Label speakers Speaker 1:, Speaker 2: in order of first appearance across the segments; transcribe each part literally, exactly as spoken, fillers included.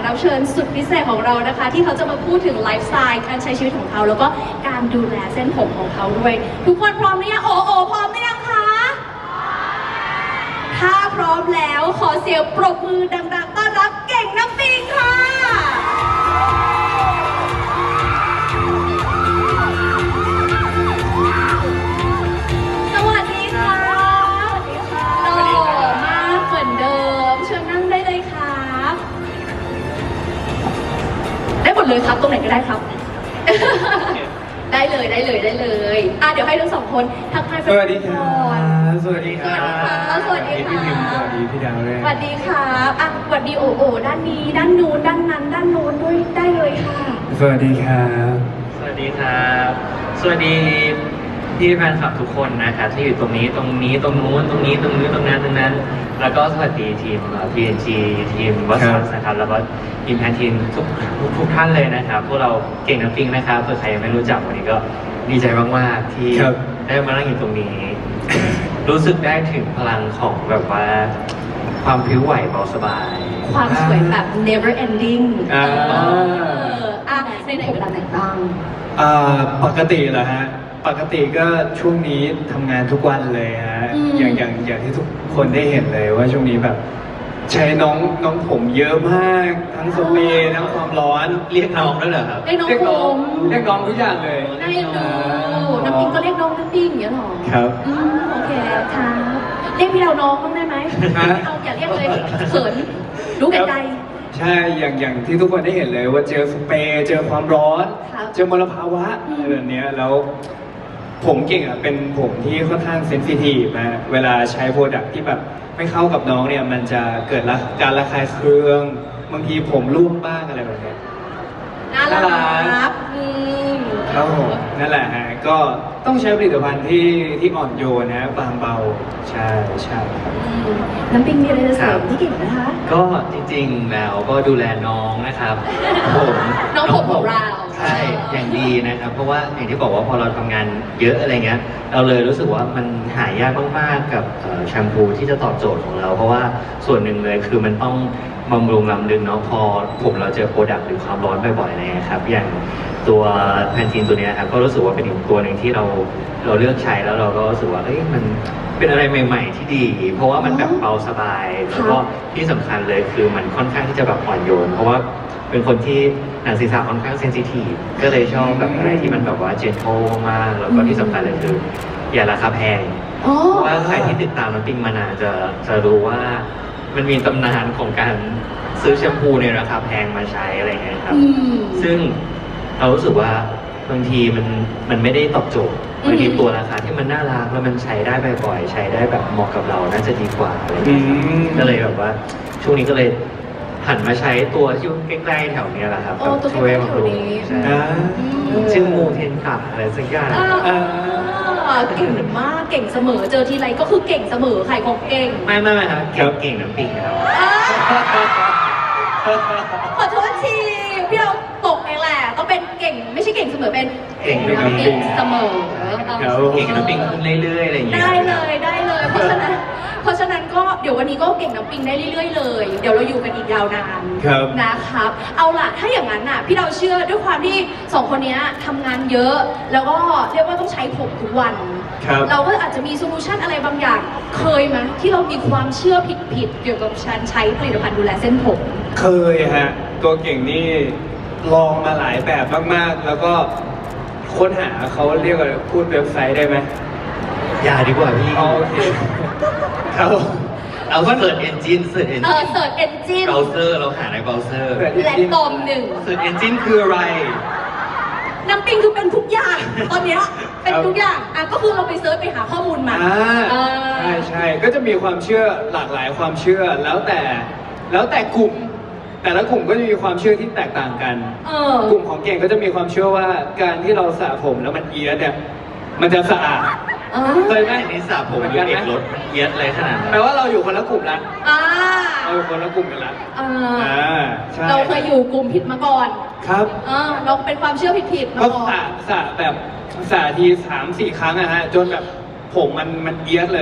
Speaker 1: รับเชิญสุดพิเศษของเรานะคะ ที่เขาจะมาพูดถึงไลฟ์สไตล์การใช้ชีวิตของเขาแล้วก็การดูแลเส้นผมของเขาด้วยทุกคนพร้อมหรือยังโอโอพร้อมหรือยังคะถ้าพร้อมแล้วขอเสียงปรบมือดังๆต้อนรับเก่งน้ำปิงค่ะสวัสดีค่ะหล่อมากเหมือนเดิมเชิญนั่งได้เลยครับได้หมดเลยครับตรงไหนก็ได้ครับ ได้เลยได้เลยได้เลยอ่ะเดี๋ยวให้ทั้งสองคนทักทายแฟนๆ
Speaker 2: สวัสดีครับสวัสดีครับ
Speaker 1: สวัสดีค่ะ
Speaker 2: พี่พิมพ์สวัสดีพี่ดาวด้วย
Speaker 1: สวัสดีครับอ่ะสวัสดีโอโอด้านนี้ด้านนู้นด้านนั้นด้านโน้นด้วยได้เลยค่ะ
Speaker 2: สวัสดีครับ
Speaker 3: สวัสดีครับ สวัสดีพี่แฟนคลับทุกคนนะครับที่อยู่ตรงนี้ตรงนี้ตรงนู้นตรงนี้ตรงนี้ตรงนั้นตรงนั้น แล้วก็สวัสดีทีม พี เอ็น จี ทีมวัสดุนะครับแล้วก็ทีมแพนทีมทุกทุกท่านเลยนะครับพวกเราเก่งน้ำปิงนะครับเผื่อใครยังไม่รู้จักวันนี้ก็ดีใจมากๆที่ได้มานั่งอยู่ตรงนี้ รู้สึกได้ถึงพลังของแบบว่าความพริ้วไหวเบาสบาย
Speaker 1: ความสวยแบบ never ending
Speaker 2: อ่า
Speaker 1: เอออ่ะในไหนเวลาไหนบ้าง
Speaker 2: อ่าปกติเหรอฮะปกติก็ช่วงนี้ทำงานทุกวันเลยฮะอย่างอย่างอย่างที่ทุกคนได้เห็นเลยว่าช่วงนี้แบบใช้น้องน้องผมเยอะมากทั้งสเปรย์ทั้งความร้อน
Speaker 3: เรียกน้องด้วยเหรอครับ
Speaker 1: เรียกน้อง
Speaker 2: เรียก
Speaker 1: ผ
Speaker 2: น้อง
Speaker 1: ม
Speaker 2: เรียกน้องทุกอย่างเลย
Speaker 1: ได้ดูน้ำปิงก็เรียกน้องน้ำปิงอย่างเงี้ยหรอ
Speaker 2: ครับ
Speaker 1: อืมโอเคครับเรียกพี่เราน้องบ้างได้ไหม
Speaker 2: ฮะ
Speaker 1: ไม่เอาอย่าเรียกเลยเขินรู้แก่ใจ
Speaker 2: ใช่อย่างอย่างที่ทุกคนได้เห็นเลยว่าเจอสเปรย์เจอความร้อน
Speaker 1: ครับ
Speaker 2: เจอมลภาวะ
Speaker 1: อืม
Speaker 2: อะไรแบบเนี้ยแล้วผมเก่งอ่ะเป็นผมที่ค่อนข้างเซนซิทีฟนะเวลาใช้โปรดักที่แบบไม่เข้ากับน้องเนี่ยมันจะเกิดละการระคายเคืองบางทีผมร่วงบ้างอะไรแบบเนี้ย
Speaker 1: น่า
Speaker 2: น่ารั
Speaker 1: รั
Speaker 2: ก
Speaker 1: กอืม
Speaker 2: ครับผมนั่นแหละฮะก็ต้องใช้ผลิตภัณฑ์ที่ที่อ่อนโยนนะบางเบาใช่ใช่ครับ
Speaker 1: อืมน้ำปิงมีอะไรจะเสริมที่เก่งนะคะ
Speaker 3: ก็จริงๆแล้วก็ดูแลน้องนะครับ ผม
Speaker 1: น้องผมของเรา
Speaker 3: ใช่อย่างดีนะครับ เพราะว่าอย่างที่บอกว่าพอเราทำงานเยอะอะไรเงี้ยเราเลยรู้สึกว่ามันหายากมากๆกับเอ่อแชมพูที่จะตอบโจทย์ของเรา เพราะว่าส่วนหนึ่งเลยคือมันต้องบำรุงลำลึงเนาะพอผมเราเจอโปรดักต์หรือความร้อนบ่อยๆอะไรเงี้ยครับอย่างตัวแพนทีนตัวเนี้ยครับก็รู้สึกว่าเป็นอีกตัวหนึ่งที่เราเราเลือกใช้แล้วเราก็รู้สึกว่าเอ้ยมันเป็นอะไรใหม่ ๆ ที่ดี เพราะว่ามันแบบเบาสบายแล้วก็ที่สำคัญเลยคือมันค่อนข้างที่จะแบบอ่อนโยน เพราะว่าเป็นคนที่หนังศีรษะค่อนข้างเซนซิทีฟก็เลยชอบแบบอะไรที่มันแบบว่าเจนโทมากๆแล้วก็ที่สำคัญเลยคืออย่าราคาแพง
Speaker 1: อ๋อ
Speaker 3: เพราะว่าใครที่ติดตามน้ำปิงมานานจะจะรู้ว่ามันมีตำนานของการซื้อแชมพูในราคาแพงมาใช้อะไรเงี้ยครับ
Speaker 1: อืม
Speaker 3: ซึ่งเรารู้สึกว่าบางทีมันมันไม่ได้ตอบโจทย์
Speaker 1: อืม
Speaker 3: บางทีตัวราคาที่มันน่ารักแล้วมันใช้ได้บ่อยๆใช้ได้แบบเหมาะกับเราน่าจะดีกว่าอะไร
Speaker 2: อื
Speaker 3: เงี้ยครับ
Speaker 2: ม
Speaker 3: ก็เลยแบบว่าช่วงนี้ก็เลยหันมาใช้ตัวที่ใกล้ๆแถวเนี้ยแหละครับ
Speaker 1: โอ้ตัว
Speaker 3: ช่วย
Speaker 1: ใกล้ๆ
Speaker 3: บำรุง
Speaker 1: แถวนี้
Speaker 3: ใช่
Speaker 2: อ่า
Speaker 3: ชื่อมูเทนกะอะไรสักอย่าง
Speaker 1: อ่าเก่งมากเก่งเสมอเจอทีไรก็คือเก่งเสมอใครของเก่ง
Speaker 3: ไม่ไม่ไม่ครับ
Speaker 2: ครั
Speaker 3: เก่ง
Speaker 2: บ
Speaker 3: เก่งน้ำปิงครับ
Speaker 1: อ่าขอโทษทีพี่เราตกเองแหละต้องเป็นเก่งไม่ใช่เก่งเสมอเป็น
Speaker 3: เก่งน้ำปิง
Speaker 1: เก่งเสมอ
Speaker 2: ครับ
Speaker 3: เก่งน้ำปิงขึ้นเรื่อยๆอะไรอย่างเงี้ย
Speaker 1: ได้เลยได้เลย เพราะฉะนั้นเพราะฉะนั้นก็เดี๋ยววันนี้ก็เก่งน้ำปิงได้เรื่อยๆเลย เดี๋ยวเราอยู่กันอีกยาวนาน
Speaker 2: ครับ
Speaker 1: นะครับ เอาล่ะถ้าอย่างนั้นน่ะพี่เราเชื่อด้วยความที่สองคนเนี้ยทำงานเยอะ แล้วก็เรียกว่าต้องใช้ผมทุกวัน
Speaker 2: ครับ
Speaker 1: เราก็อาจจะมีโซลูชันอะไรบางอย่าง เคยไหมที่เรามีความเชื่อผิดๆเกี่ยวกับการใช้ผลิตภัณฑ์ดูแลเส้นผม
Speaker 2: เคยฮะตัวเก่งนี่ลองมาหลายแบบมากๆ แล้วก็ค้นหาเขาเรียกว่าพูดเว็บไซต์ได้ไหม
Speaker 3: อย่าดีกว่าพี่
Speaker 2: อ๋อโอเคครับ
Speaker 3: เอาเสิร์ชเอนจินเสิร์ชเอน
Speaker 1: เอ
Speaker 3: จิ
Speaker 1: อน เสิร์ชเอนจิน
Speaker 3: เบราว์เซอร์เราหาในเบราว์เซอร์
Speaker 1: และตอมหนึ่ง
Speaker 3: เสิร์ชเอนจินคืออะไร
Speaker 1: น้ำปิงคือเป็นทุกอย่าง ตอนเนี้ยเป็นทุกอย่างอ่ะก็คือเราไปเซิร์ชไปหาข้อมูลมา
Speaker 2: อ่า
Speaker 1: เออ
Speaker 2: ใช่ใช่ก็จะมีความเชื่อหลากหลายความเชื่อแล้วแต่ แล้วแต่กลุ่ม แต่ละกลุ่มก็จะมีความเชื่อที่แตกต่างกัน
Speaker 1: เออก
Speaker 2: ลุ่มของเก่งก็จะมีความเชื่อว่าการที่เราสระผมแล้วมันเอียดเนี่ยมันจะสะอาด
Speaker 1: อ่า
Speaker 2: เคยไหม
Speaker 3: อันนี้สระผมอยู่เอกรถมันเอียดอะไรขนาดนั้น
Speaker 2: แปลว่าเราอยู่คนละกลุ่มละ
Speaker 1: อ่า
Speaker 2: เราอยู่คนละกลุ่มกันละ
Speaker 1: อ่า
Speaker 2: อ่าใช่
Speaker 1: เราเคยอยู่กลุ่มผิดมาก่อน
Speaker 2: ครับ
Speaker 1: อ่าเราเป็นความเชื่อผิดๆมา
Speaker 2: ก็
Speaker 1: ก่อ
Speaker 2: สระ
Speaker 1: น
Speaker 2: สระแบบสระทีสามสี่ครั้งอะฮะจนแบบผมมันมันเอียดเลย
Speaker 1: อ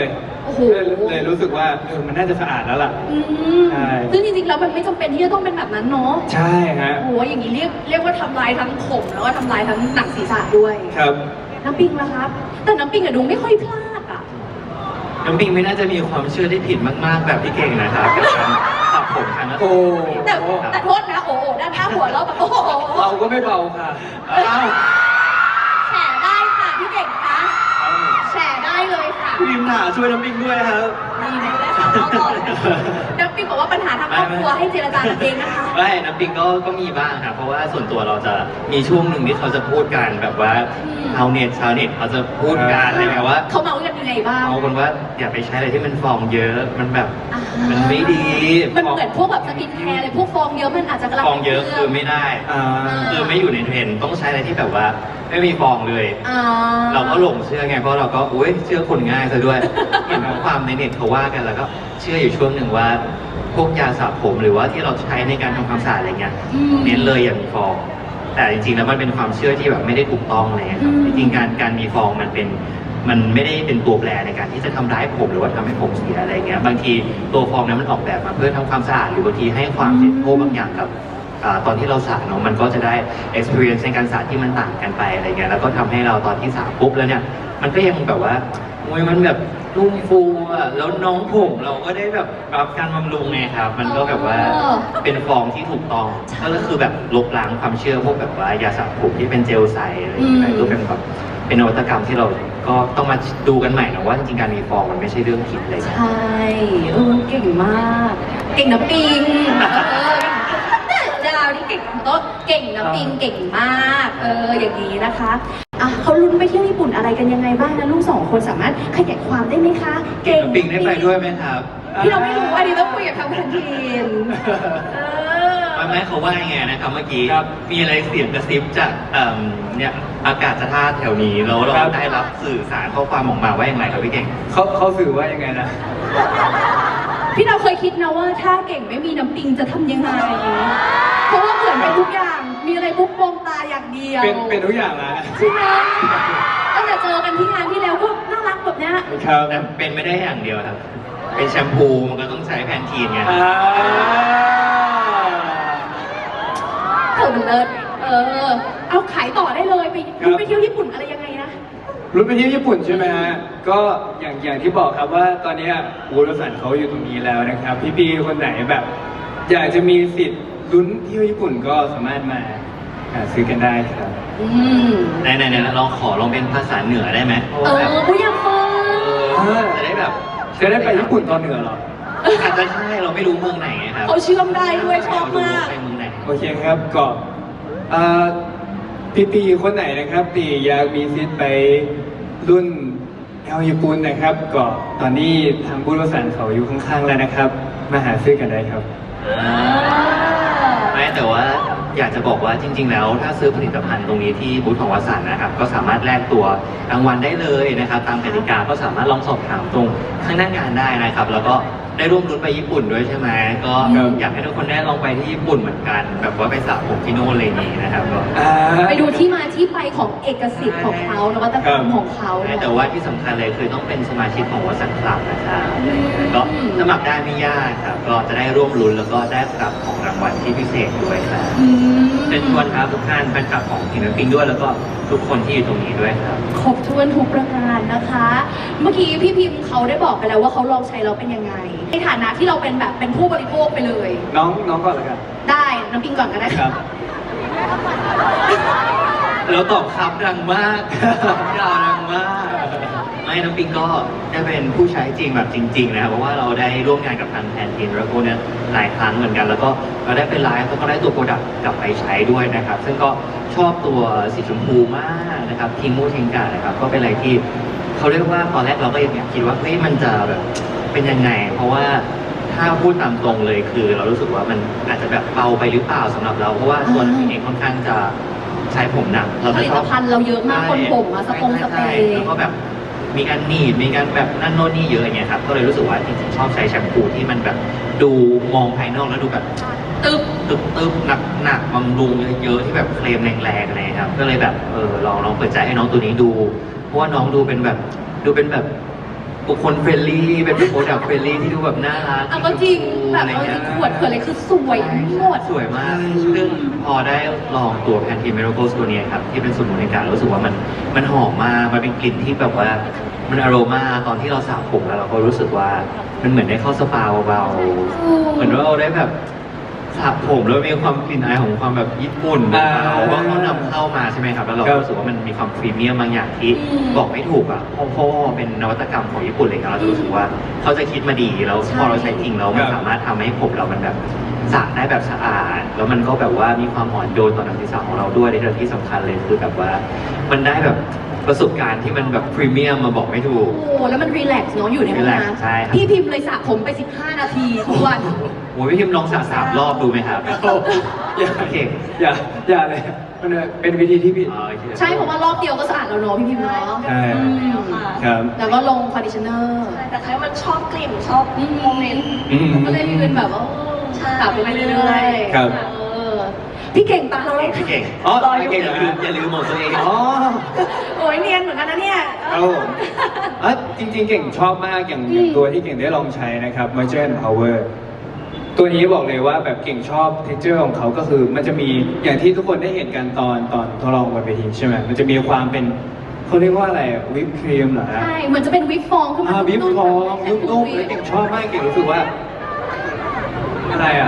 Speaker 1: โอ้โห
Speaker 2: เลยเลยรู้สึกว่าเออมันน่าจะสะอาดแล้วล่ะ
Speaker 1: อืม
Speaker 2: ใช่
Speaker 1: ซึ่งจริงๆแล้วมันไม่จำเป็นที่จะต้องเป็นแบบนั้นเนาะ
Speaker 2: ใช่ฮะ
Speaker 1: โอ้โหอย่างนี้เรียกเรียกว่าทำลายทั้งผมแล้วก็ทำลายทั้งหนังศีรษะด้วย
Speaker 2: ครับ
Speaker 1: น้ำปิงล่ะครับ แต่น้ำปิงอะดูไม่ค่อยพลาดอะ
Speaker 3: น้ำปิงไม่น่าจะมีความเชื่อที่ผิดมากๆแบบพี่เก่งนะครับกับการสระผมครั้งละ
Speaker 2: โอ้
Speaker 1: แต่แต่โทษนะโอ้โหด้านหน้าหัวเราแบบโอ้โห
Speaker 2: เราก็ไม่เบาค่ะ
Speaker 3: อ้าว
Speaker 1: แฉได้ค่ะพี่เก่งคะแฉได้เลยค่ะ
Speaker 3: พี่พิมพ์หนาช่วยน้ำปิงด้วยครับ
Speaker 1: นี่ไงได้ข่าวเข้าก่อนเลยน้ำปิงบอกว่าปัญหาทางครอบครัวให้เจรจากันเองนะคะ
Speaker 3: ไม่น้ำปิงก็ก็มีบ้างครับเพราะว่าส่วนตัวเราจะมีช่วงหนึ่งที่เขาจะพูดกันแบบว่า
Speaker 1: อืม
Speaker 3: ชาวเน็ตชาวเน็ตเขาจะพูดกันอะไรแบบว่า
Speaker 1: เขาเมาส์กันยังไงบ้าง
Speaker 3: เอาคนว่าอย่าไปใช้อะไรที่มันฟองเยอะมันแบบ
Speaker 1: อ่า
Speaker 3: มันไม่ดี
Speaker 1: มันเหมือนพวกแบบสกินแคร์อะไรพวกฟองเยอะมันอาจจะกำลัง
Speaker 3: ฟองเยอะคือไม่ได้
Speaker 2: อ่า
Speaker 3: คือไม่อยู่ในเทรนด์ต้องใช้อะไรที่แบบว่าไม่มีฟองเลย
Speaker 1: อ่า
Speaker 3: เราก็หลงเชื่อไงเพราะเราก็อุ้ยเชื่อคนง่ายซะด้วย เห็นข้อความในเน็ตเขาว่ากันแล้วก็เชื่ออยู่ช่วงหนึ่งว่า พวกยาสระผมหรือว่าที่เราใช้ในการทำความสะอาดอะไรเงี้ย
Speaker 1: อืม
Speaker 3: เน้นเลยอย่ามีฟอง แต่จริงๆแล้วมันเป็นความเชื่อที่แบบไม่ได้ถูกต้องเลยครับ
Speaker 1: อืม
Speaker 3: จริงๆการการมีฟองมันเป็นมันไม่ได้เป็นตัวแปรในการที่จะทำร้ายผมหรือว่าทำให้ผมเสียอะไรเงี้ยบางทีตัวฟองนั้นมันออกแบบมาเพื่อทำความสะอาดหรือบางทีให้ความเจ็บโทษบางอย่างกับ อ่าตอนที่เราสระเนาะมันก็จะได้ experience ในการสระที่มันต่างกันไปอะไรเงี้ยแล้วก็ทำให้เราตอนที่สระปุ๊บแล้วเนี่ยมันก็ยังแบบว่าโอ้ยมันแบบนุ่มฟูอ่ะแล้วน้องผมเราก็ได้แบบรับการบำรุงไงครับ มันก็แบบว่า
Speaker 1: อ๋อ
Speaker 3: เป็นฟองที่ถูกต้องก็คือแบบลบล้างความเชื่อพวกแบบว่ายาสระผมที่เป็นเจลใสอะไรอย่างเงี้ยก็เป็นแบบเป็นนวัตกรรมที่เราก็ต้องมาดูกันใหม่นะว่าจริงๆการมีฟองมันไม่ใช่เรื่องผิดเลยนะ
Speaker 1: ใช่เออเก่งมาก เก่งน้ำปิงเออดาวนี่เก่งโต๊ะเก่งน้ำปิงเก่งมาก เอออย่างนี้นะคะอ่ะเขาลุ้นไปเที่ยวญี่ปุ่นอะไรกันยังไงบ้างนะลูกสองคนสามารถขยายความได้ไหมคะ
Speaker 3: เก่งปิงได้ไปด้วยไหมครับ
Speaker 1: พี่เราไม่รู้อันนี้ต้องคุยกับทางแคนทีนเออ
Speaker 3: ไม่ไม่เขาว่ายังไงนะครับเมื่อกี้
Speaker 2: ครับ
Speaker 3: มีอะไรเสียงกระซิบจากเอิ่มเนี่ยอากาศธาตุแถวนี้แล้วเรา
Speaker 2: ครับ
Speaker 3: ได้รับสื่อสารข้อความออกมาว่าอย่างไรครับพี่เก่ง
Speaker 2: เขาเขาสื่อว่ายังไงนะ
Speaker 1: พี่เราเคยคิดนะว่าถ้าเก่งไม่มีน้ำปิงจะทำยังไง เพราะว่าเหมือนเป็นทุกอย่าง มีอะไรปุ๊บมองตาอย่างเดียว
Speaker 2: เป็นเป็นทุกอย่างละ
Speaker 1: ใช่ไหมตั้งแต่เจอกันที่งานที่แล้วก็น่ารักแบบเนี้ย
Speaker 2: ครับ
Speaker 3: แต่เป็นไม่ได้อย่างเดียวครับ เป็นแชมพูมันก็ต้องใช้แพนทีนไง
Speaker 2: อ่า
Speaker 1: เออมันเลิศเออ เอาขายต่อได้เลยไปคุณไปเที่ยวญี่ปุ่นอะไรยังไงนะ
Speaker 2: รู้ไปเที่ยวญี่ปุ่นใช่ไหมฮะ ก็อย่างอย่างที่บอกครับว่าตอนเนี้ยวูรสันเขาอยู่ตรงนี้แล้วนะครับ พี่ๆคนไหนแบบ อยากจะมีสิทธิ์ลุ้นเที่ยวญี่ปุ่นก็สามารถมาหาซื้อกันได้ครับ
Speaker 1: อืม
Speaker 3: ไหนไหนไหนลองขอลองเป็นภาษาเหนือได้ไหมเพราะ
Speaker 1: เอ
Speaker 3: ว่า
Speaker 1: อ
Speaker 3: แบบ
Speaker 1: ผู้อยากฟัง
Speaker 3: เออจะได้แบบ
Speaker 2: จะได้ไปญี่ปุ่นตอนเหนือเหรอ
Speaker 3: อาจจะใช่เราไม่รู้เมืองไหนไงครับ
Speaker 1: เขาเชื่อมได้ด้วยชอบมาก
Speaker 3: ไปเมืองไหน
Speaker 2: โอเคครับก็เอ่อพี่ๆคนไหนนะครับตีอยากมีสิทธิ์ไปรุ่นเอลญี่ปุ่นนะครับ ก็ตอนนี้ทางบูธวสันเขาอยู่ข้างๆแล้วนะครับ มาหาซื้อกันได้ครับ
Speaker 3: อ่าไม่แต่ว่าอยากจะบอกว่าจริง ๆ แล้วถ้าซื้อผลิตภัณฑ์ตรงนี้ที่บูธของวสันต์นะครับ ก็สามารถแลกตัวรางวัลได้เลยนะครับ ตามกติกาก็สามารถลองสอบถามตรงข้างหน้างานได้นะครับ แล้วก็ได้ร่วมรุ้นไปญี่ปุ่นด้วยใช่ไหมก็
Speaker 2: ครับ
Speaker 3: อยากให้ทุกคนได้ลองไปที่ญี่ปุ่นเหมือนกัน แบบว่าไปสระผมที่โน่นอะไรอย่างนี้นะครับก็
Speaker 2: อ่า
Speaker 1: ไปดูที่มาที่ไปของเอกสิทธิ์ของเขานวัตกรรมของเขา
Speaker 3: แต่ว่าที่สำคัญเลยคือต้องเป็นสมาชิกของวสันต์คลับนะครับก็สมัครได้ไม่ยากครับ ก็จะได้ร่วมรุ้นแล้วก็ได้รับของรางวัลที่พิเศษด้วยครับ
Speaker 1: อืม
Speaker 3: เชิญชวนครับทุกท่านแฟนคลับของทีมปิงด้วยแล้วก็ทุกคนที่อยู่ตรงนี้ด้วยครับ
Speaker 1: ครบถ้วนทุกประการนะคะ เมื่อกี้พี่พิมพ์เขาได้บอกไปแล้วว่าเขาลองใช้แล้วเป็นยังไง ในฐานะที่เราเป็นแบบเป็นผู้บริโภคไปเลย
Speaker 2: น้องน้องก่อนเลยครับ
Speaker 1: ได้น้ำปิงก่อนก็ได้
Speaker 2: ครับ
Speaker 3: แล้วตอบครับดังมาก ยาวดังมาก ไม่น้องปิงก็ได้เป็นผู้ใช้จริงแบบจริง ๆ นะครับเพราะว่าเราได้ร่วมงานกับทางแพนทีนแล้วก็เนี่ยหลายครั้งเหมือนกัน แล้วก็เราได้เป็นไลฟ์แล้วก็ได้ตัวโปรดักต์กลับไปใช้ด้วยนะครับ ซึ่งก็ชอบตัวสีชมพูมากนะครับทิงมูทิงกานะครับ ก็เป็นอะไรที่เขาเรียกว่าตอนแรกเราก็ยังอยากคิดว่าเฮ้ยมันจะแบบเป็นยังไง เพราะว่าถ้าพูดตามตรงเลยคือ เรารู้สึกว่ามันอาจจะแบบเบาไปหรือเปล่าสำหรับเราเพราะว่าตัวเราเองค่อนข้างจะใช้ผมหนักเรา
Speaker 1: ผ
Speaker 3: จะ
Speaker 1: ลิ
Speaker 3: ช
Speaker 1: ต
Speaker 3: อบ
Speaker 1: ภัณฑ์เราเยอะมากคนผมอะสปงสเปร
Speaker 3: ใช่
Speaker 1: ย์
Speaker 3: แล้วก็แบบมีการหนีบมีการแบบนั่นโน่นนี่เยอะอย่างเงี้ยครับก็เลยรู้สึกว่าจริงๆชอบใช้แชมพูที่มันแบบดูมองภายนอกแล้วดูแบบ
Speaker 1: ตึ๊บ
Speaker 3: ตึบตึบหนักหนักบำรุงเยอะๆที่แบบเคลมแรงๆอะไรครับก็เลยแบบเออลองลองเปิดใจให้น้องตัวนี้ดู เพราะว่าน้องดูเป็นแบบดูเป็นแบบบุคคลเฟรนลี่เป็นโปรดักต์เฟรนลี่ที่ดูแบบน่ารัก
Speaker 1: เอาก็จริงแบบ
Speaker 3: อะไร
Speaker 1: เอาจ
Speaker 3: เงี้
Speaker 1: ริ
Speaker 3: ย
Speaker 1: งขวดเผื่ออะไรคือสวยหมด
Speaker 3: สวยมากซึ่งพอได้ลองตัวแพนทีเมโรโกสตัวเนี้ยครับที่เป็นสมุนไพรรู้สึกว่ามันมันหอมมากมันเป็นกลิ่นที่แบบว่ามันอโรมาตอนที่เราสระผมแล้วเราก็รู้สึกว่ามันเหมือนได้เข้าสปาเบาๆเหมือนว่าเราได้แบบสระผมแล้วมีความกลิ่นอายของความแบบญี่ปุ่นเบาๆเพราะเขานำเข้ามาใช่ไหมครับแล้วเราก็รู้สึกว่ามันมีความพรีเมียมบางอย่างที่บอกไม่ถูกอ่ะเพราะเพราะว่าเป็นนวัตกรรมของญี่ปุ่นเลยครับเราจะรู้สึกว่าเขาจะคิดมาดีแล้วพอเราใช้จริงแล้วมันสามารถทำให้ผมเรามันแบบสระได้แบบสะอาดแล้วมันก็แบบว่ามีความอ่อนโยนต่อหนังศีรษะของเราด้วยในที่สำคัญเลยคือแบบว่ามันได้แบบประสบการณ์ที่มันแบบพรีเมียมมาบอกไม่ถูก
Speaker 1: โอ้แล้วมันรีแลกซ์เนาะอยู่ในห้อง
Speaker 3: relax
Speaker 1: น้ำ
Speaker 3: ใช่ครับ
Speaker 1: พี่พิมพ์เลยสระผมไปสิบห้านาทีทุกวัน
Speaker 3: โอ้ยพี่พิมพ์ลองสระสามรอบดูไหมครับ
Speaker 2: อย่า
Speaker 3: เก่ง
Speaker 2: อย่าอย่าเลยมันเป็นวิธีที่ผิด
Speaker 3: อ๋อโอเค
Speaker 1: ใช่เพราะว่ารอบเดียวก็สะอาดแล้วเนาะพี่พิมพ์เนาะ
Speaker 2: ใช่
Speaker 1: อืม
Speaker 2: ครับ
Speaker 1: แล้วก็ลงคอนดิชเนอร์
Speaker 4: แต่แค่มันชอบกลิ่นชอบโมเมนต์
Speaker 2: อืม
Speaker 1: ก็เลยเป็นแบบว่า
Speaker 4: ใช่
Speaker 1: สระไปเรื่อยๆ
Speaker 2: ครับ
Speaker 1: เออพี่เก่งตามเราแล้ว
Speaker 3: พี่เก่ง
Speaker 2: อ๋อ
Speaker 3: รออ
Speaker 2: พี่
Speaker 3: ยู่
Speaker 2: เก่ง
Speaker 3: อย่า
Speaker 2: เหรอ
Speaker 3: ลืมอย่าลืมหมดตัวเอง
Speaker 2: อ๋อ
Speaker 1: โอ้ยเนียนเหมือนกันนะเนี่ย
Speaker 2: ครับผมอ่ะจริงๆ เก่งชอบมากอย่างอย่างตัวที่เก่งได้ลองใช้นะครับ Moisture and Power ตัวนี้บอกเลยว่าแบบเก่งชอบ texture ของเขาก็คือ มันจะมีอย่างที่ทุกคนได้เห็นกันตอนตอนทดลองบนเวทีใช่ไหมมันจะมีความเป็นเขาเรียกว่าอะไรวิปครีมเหรอฮะ
Speaker 1: ใช่เหมือนจะเป็นวิปฟองขึ้นมา
Speaker 2: อ่าวิปฟองนุ่มๆแล้วเก่งชอบมากเก่งรู้สึกว่า อะไรอ่ะ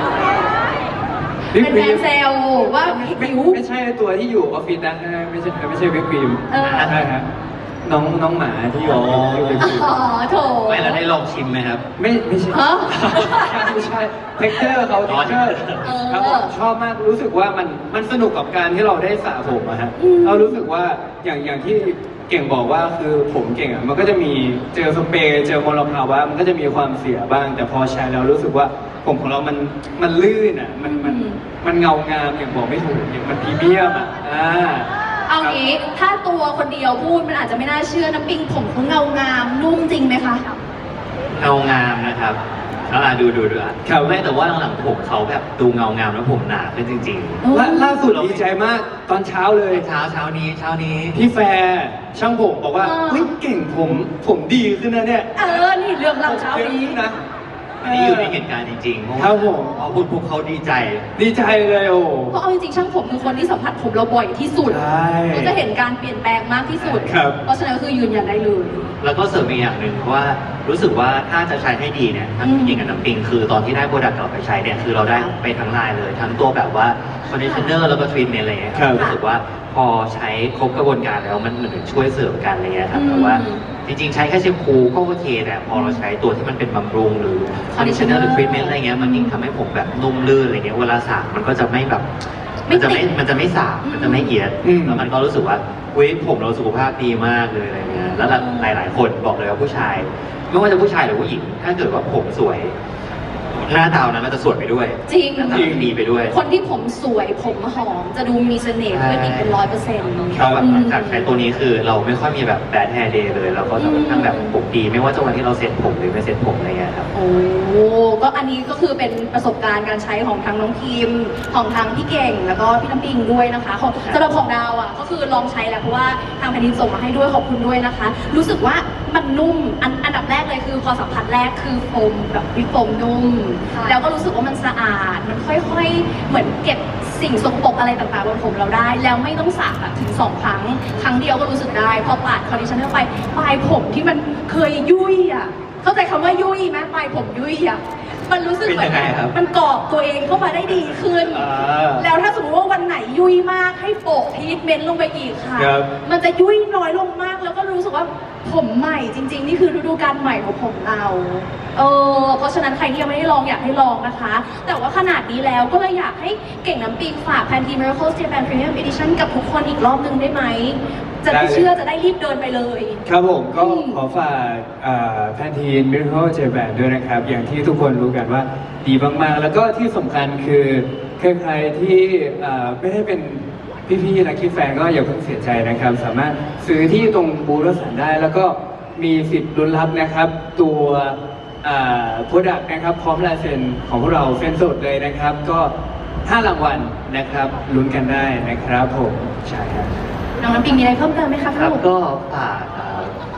Speaker 1: เป็นแฟนเซลว่า
Speaker 2: ไม่
Speaker 1: หิว
Speaker 2: ไม่ใช่ตัวที่อยู่ออฟฟิศนะไม่ใช่ไม่ใช่วิปครีม
Speaker 1: เออ
Speaker 2: ใช่ฮะน้องน้องหมาที่อยู่ที่อยู่วิปครีม
Speaker 1: อ๋อโถ
Speaker 3: ไม่แล้วได้ลองชิมไหมครับ
Speaker 2: ไม่ไม่ใช่
Speaker 1: ฮะ
Speaker 2: ไม่ใช่เท็กเจอร์เขา
Speaker 3: อ๋
Speaker 2: เท็
Speaker 3: อ
Speaker 2: กเจอร์
Speaker 1: เออ
Speaker 2: ครับผมชอบมากรู้สึกว่ามันมันสนุกกับการที่เราได้สระผมอะฮะ
Speaker 1: อืม
Speaker 2: เรารู้สึกว่าอย่างอย่างที่เก่งบอกว่าคือผมเก่งอะมันก็จะมีเจอสเปรย์เจอมลภาวะมันก็จะมีความเสียบ้าง แต่พอใช้แล้วรู้สึกว่าผมของเรามันมันลื่นอะมันมันมันเงางามอย่างบอกไม่ถูกอย่างมันพรีเมียมอะอ่า
Speaker 1: เอางี้ถ้าตัวคนเดียวพูดมันอาจจะไม่น่าเชื่อน้ำปิงผมเขาเงางามนุ่มจริงไหมคะ
Speaker 3: เงางามนะครับอ่าดูดูดูอ่ะ
Speaker 2: ครับ
Speaker 3: ไม่แต่ว่าหลังๆผมเขาแบบดูเงางามแล้วผมหนาขึ้นจริง
Speaker 2: ล่าล่าสุดดีใจมากตอนเช้าเลย
Speaker 3: ๆ เช้าเช้านี้เช้านี้
Speaker 2: พี่แฟร์ช่างผมบอกว่า
Speaker 1: อ่า
Speaker 2: เฮ้ยเก่งผมผมดีขึ้นนะเนี่ย
Speaker 1: เออ นี่เรื่องเราเช้า
Speaker 2: เยอะ
Speaker 1: นี้
Speaker 2: ขึ้นนะ
Speaker 3: อันนี้อยู่ในเหตุการณ์จริงๆเพราะ
Speaker 2: ครั
Speaker 3: ว่า
Speaker 2: บผม
Speaker 3: พอพูดพวกเขาดีใจ
Speaker 2: ดีใจเลยโอ้
Speaker 1: เพราะเอาจริงๆช่างผมคือคนที่สัมผัสผมเราบ่อยที่สุด
Speaker 2: ใช่
Speaker 1: ก็จะเห็นการเปลี่ยนแปลงมากที่สุด
Speaker 2: ครับ
Speaker 1: เพราะฉะนั้นก็คือยืนยันได้เลย
Speaker 3: แล้วก็เสริมอีกอย่างหนึ่งว่ารู้สึกว่าถ้าจะใช้ให้ดีเนี่ยทั้ง
Speaker 1: อืม
Speaker 3: จริงกับน้ำปิงคือตอนที่ได้โปรดักต์เราไปใช้เนี่ยคือเราได้ไปทั้งลายเลย ทั้งตัวแบบว่าคอนดิชเนอร์แล้วก็ทรีทเมนต์อะไรเงี้ยครับรู้สึกว่าพอใช้ครบกระบวนการแล้วมันเหมือนช่วยเสริมกันอะไรเงี้ยครับแต่ว่าจริงๆ ใช้แค่แชมพูก็โอเคแต่พอเราใช้ตัวที่มันเป็นบำรุงหรือคอนดิชเนอร์หรือทรีทเมนต์อะไรเงี้ยมันยิ่งทำให้ผมแบบนุ่มลื่นอะไรเงี้ยเวลาสระมันก็จะไม่แบบ
Speaker 1: ไม่
Speaker 3: มันจะไม่
Speaker 1: ติด
Speaker 3: มันจะไม่สาบมันจะไม่เอียด
Speaker 2: อืม
Speaker 3: แล้วมันก็รู้สึกว่าเว้ยผมเราสุขภาพดีมากเลยอะไรเงี้ย แล้วหลาย ๆ คนบอกเลยว่าผู้ชาย ไม่ว่าจะผู้ชายหรือผู้หญิง ถ้าเกิดว่าผมสวย หน้าตานั้นก็จะสวยไปด้วย
Speaker 1: จริง
Speaker 3: หน้าตาดีไปด้วย
Speaker 1: คนที่ผมสวยผมหอมจะดูมีเสน่ห์ขึ้นอีกเป็นร้อยเปอร์เซ็นต์
Speaker 3: ชอบแบบหลังจากใช้ตัวนี้คือเราไม่ค่อยมีแบบ bad hair day เลย เราก็จะค่อนข้างแบบผมดี ไม่ว่าจะวันที่เราเซ็ตผมหรือไม่เซ็ตผมอะไรเงี้ยครับ
Speaker 1: โอ้ก็อันนี้ก็คือเป็นประสบการณ์การใช้ของทางน้องพิมของทางพี่เก่งแล้วก็พี่น้ำปิงด้วยนะคะของสำหรับของดาวอ่ะก็คือลองใช้แล้วเพราะว่าทางแผ่นดินส่งมาให้ด้วยขอบคุณด้วยนะคะ รู้สึกว่ามันนุ่มอันอันดับแรกเลยคือพอสัมผัสแรกคือโฟมแบบวิปโฟมนุ่ม
Speaker 4: ค่ะ
Speaker 1: แล้วก็รู้สึกว่ามันสะอาดมันค่อยๆ เหมือนเก็บสิ่งสกปรกอะไรต่างๆบนผมเราได้ แล้วไม่ต้องสระแบบถึงสองครั้งครั้งเดียวก็รู้สึกได้พอปาดคอนดิชเนอร์ไปปลายผมที่มันเคยยุ่ยอ่ะเข้าใจคำว่ายุ่ยไหมปลายผมยุ่ยอ่ะมันรู้สึกเหมือน
Speaker 3: เป็นยังไงครับ
Speaker 1: มันกรอบตัวเองเข้ามาได้ดีขึ้น
Speaker 2: อ่า
Speaker 1: แล้วถ้าสมมติว่าวันไหนยุ่ยมากให้โปะทรีทเมนต์ลงไปอีกค่ะ
Speaker 2: ครับ
Speaker 1: มันจะยุ่ยน้อยลงมากแล้วก็รู้สึกว่าผมใหม่จริง ๆ นี่คือฤดูกาลใหม่ของผมเรา เออเพราะฉะนั้นใครที่ยังไม่ได้ลองอยากให้ลองนะคะ แต่ว่าขนาดนี้แล้วก็เลยอยากให้เก่งน้ำปิงฝาก Pantene Miracle Japan Premium Edition กับทุกคนอีกรอบนึงได้ไหม จะได้
Speaker 2: ได้เลย
Speaker 1: เชื่อจะได้รีบเดินไปเลย
Speaker 2: ครับผมก็
Speaker 1: อืม
Speaker 2: ขอฝากแพนทีนมิราเคิลเจแบนด้วยนะครับ อย่างที่ทุกคนรู้กันว่าดีมากๆ แล้วก็ที่สำคัญคือใครๆที่อ่าไม่ได้เป็นพี่ๆนักคิดแฟนก็อย่าเพิ่งเสียใจนะครับ สามารถซื้อที่ตรงบูธรสันได้ แล้วก็มีสิทธิ์ลุ้นรับนะครับ ตัวโปรดักต์นะครับ พร้อมลายเซ็นของพวกเราเซ็นสดเลยนะครับ ก็ห้ารางวัลนะครับลุ้นกันได้นะครับผมใช่ครับ
Speaker 1: น้องน้ำปิงมีอะไรเพิ่มเติมไหมคะ
Speaker 3: ครับ
Speaker 1: ลูก
Speaker 3: ก็ฝาก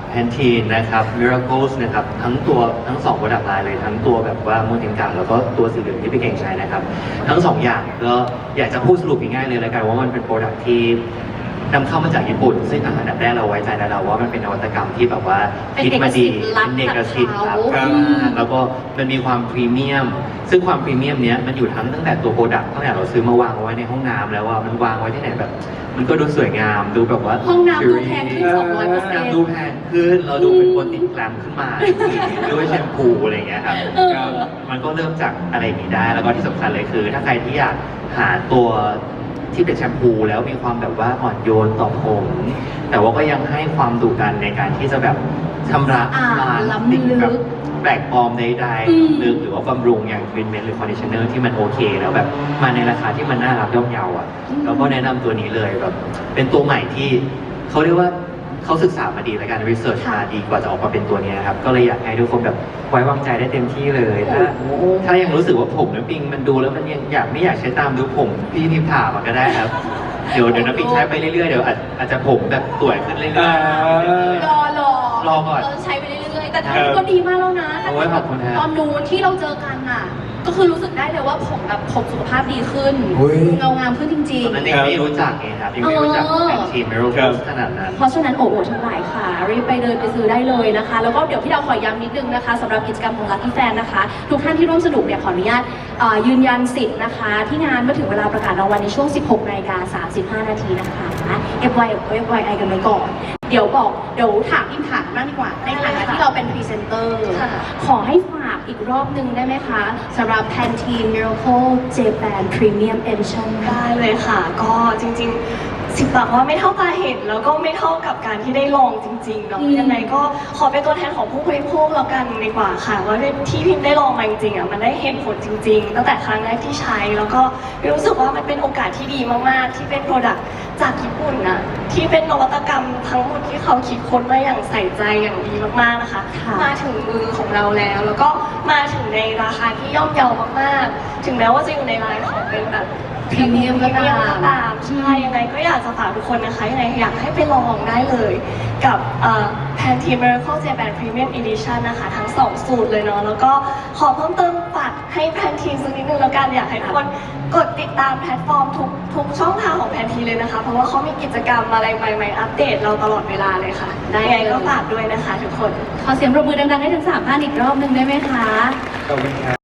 Speaker 3: แพนทีนนะครับ Miracles นะครับทั้งตัวทั้งสองโปรดักต์ไลน์เลยทั้งตัวแบบว่าโมเดลกาแล้วก็ตัวสีเหลืองที่พี่เก่งใช้นะครับทั้งสองอย่างก็อยากจะพูดสรุปง่ายๆเลยแล้วกันว่ามันเป็นโปรดักต์ที่นำเข้ามาจากญี่ปุ่นซึ่งอันดับแรกเราไว้ใจแล้วเราว่ามันเป็นนวัตกรรมที่แบบว่าคิดมาดีเป็นเอกสิทธิ์ครับแล้วก็มันมีความพรีเมียมซึ่งความพรีเมียมเนี้ยมันอยู่ทั้งตั้งแต่ตัวโปรดักต์ตั้งแต่เราซื้อมาวางไว้ในห้องน้ำแล้วว่ามันวางไว้ที่ไหนแบบ มันก็ดูสวยงามดูแบบว่า
Speaker 1: ห้องน้ำดูแพงขึ้นสองร้อยเปอร์เซ็นต์
Speaker 3: ดูแพงขึ้นเราดูเป็นคนติดแกรมขึ้นมาด้วยแชมพูอะไรอย่างเงี้ยครับ
Speaker 1: เออ
Speaker 3: มันก็เริ่มจากอะไรอย่างนี้ได้ แล้วก็ที่สำคัญเลยคือ ถ้าใครที่อยากหาตัวที่เป็นแชมพูแล้วมีความแบบว่าอ่อนโยนต่อผม แต่ว่าก็ยังให้ความดุดันในการที่จะแบบชำระ
Speaker 1: อ่า
Speaker 3: ล้าง
Speaker 1: ล้ำลึก
Speaker 3: สิ่งแบบแปลกปลอมใด
Speaker 1: อืม
Speaker 3: ๆหรือหรือว่าบำรุงอย่างทรีทเมนต์หรือคอนดิชเนอร์ที่มันโอเค แล้วแบบมาในราคาที่มันน่ารับย่อมเยาอ่ะแล้วก็แนะนำตัวนี้เลยแบบเป็นตัวใหม่ที่เขาเรียกว่าเขาศึกษามาดีและการรีเสิร์ชมาดีกว่าจะออกมาเป็นตัวนี้ครับ ก็เลยอยากให้ทุกคนแบบไว้วางใจได้เต็มที่เลย ถ้าถ้ายังรู้สึกว่าผมน้ำปิงมันดูแล้วมันยังอยากไม่อยากใช้ตามดูผมพี่นิพามันก็ได้ครับ เดี๋ยวเดี๋ยวน้ำปิงใช้ไปเรื่อยๆเดี๋ยวอาจอาจจะผมแบบสวยขึ้นเรื่อย
Speaker 2: อ่า
Speaker 3: ๆ
Speaker 1: รอรอ
Speaker 3: รอก่อน
Speaker 1: เราใช้ไปเรื่อยๆ แต่
Speaker 3: ครับ
Speaker 1: ก็ดีมากแล้วนะ
Speaker 3: โอ้ยขอบคุณครับ
Speaker 1: ตอนนู้นที่เราเจอกันน่ะ ก็คือรู้สึกได้เลยว่าผมแบบผมสุขภาพดีขึ้น
Speaker 2: อุ๊ย
Speaker 1: เงางามขึ้นจริง
Speaker 3: ตอนนั้นยังไม่รู้จักไงครับยังไม่รู้จักแอนทีเมโร
Speaker 2: ครับ
Speaker 3: ขนาดนั้น
Speaker 1: ๆ เพราะฉะนั้นโอ้โหทั้งหลายค่ะ รีบไปเดินไปซื้อได้เลยนะคะ แล้วก็เดี๋ยวพี่ดาวขอย้ำนิดนึงนะคะสำหรับกิจกรรมของ Lucky Fan นะคะ ทุกท่านที่ร่วมสนุกเนี่ยขออนุญาตเอ่อยืนยันสิทธิ์นะคะ ที่งานเมื่อถึงเวลาประกาศรางวัลในช่วง สิบหกนาฬิกาสามสิบห้านาทีนะคะ เอฟ วาย เอฟ วาย ไอ กันไว้ก่อน เดี๋ยวบอกเดี๋ยวถามอิมถามบ้างดีกว่า ในฐานะที่เราเป็นพรีเซนเตอร์
Speaker 4: ค่ะ
Speaker 1: ขอให้ฝากอีกรอบหนึ่งได้ไหมคะสำหรับ Pantene Miracle Japan Premium Edition
Speaker 4: ได้เลยค่ะ ก็จริงๆ สิบปากว่าไม่เท่าตาเห็น แล้วก็ไม่เท่ากับการที่ได้ลองจริงๆเนาะ
Speaker 1: อืม
Speaker 4: ยังไงก็ขอเป็นตัวแทนของผู้บริโภคแล้วกันดีกว่าค่ะ ว่าที่พิมได้ลองมาจริงๆอ่ะมันได้เห็นผลจริง ๆ ตั้งแต่ครั้งแรกที่ใช้ แล้วก็รู้สึกว่ามันเป็นโอกาสที่ดีมากๆ ที่เป็นโปรดักต์จากญี่ปุ่นนะที่เป็นนวัตกรรมทั้งหมดที่เขาคิดค้นมาอย่างใส่ใจอย่างดีมากๆนะคะ
Speaker 1: ค่ะ
Speaker 4: มาถึงมือของเราแล้ว แล้วก็มาถึงในราคาที่ย่อมเยาวมากๆ ถึงแม้ว่าจะอยู่ในไลน์ของเป็นแบบ
Speaker 1: พรีเมียมก็ตาม
Speaker 4: ก็ตามใช่ยังไงก็อยากจะฝากทุกคนนะคะยังไงอยากให้ไปลองได้เลยกับแพนที Miracle Japan Premium Edition นะคะ ทั้งสองสูตรเลยเนาะแล้วก็ขอเพิ่มเติมฝากให้แพนทีสักนิดนึงแล้วกันอยากให้ทุกคนกดติดตามแพลตฟอร์มทุกทุกช่องทางของแพนทีเลยนะคะ เพราะว่าเขามีกิจกรรมอะไรใหม่ๆอัปเดตเราตลอดเวลาเลยค่ะ
Speaker 1: ได้
Speaker 4: ยังไง
Speaker 1: เลย
Speaker 4: ก็ฝากด้วยนะคะทุกคน
Speaker 1: ขอเสียงปรบมือดังๆให้ทั้งสามท่านอีกรอบหนึ่งได้ไหมคะ
Speaker 2: ขอบคุณครับ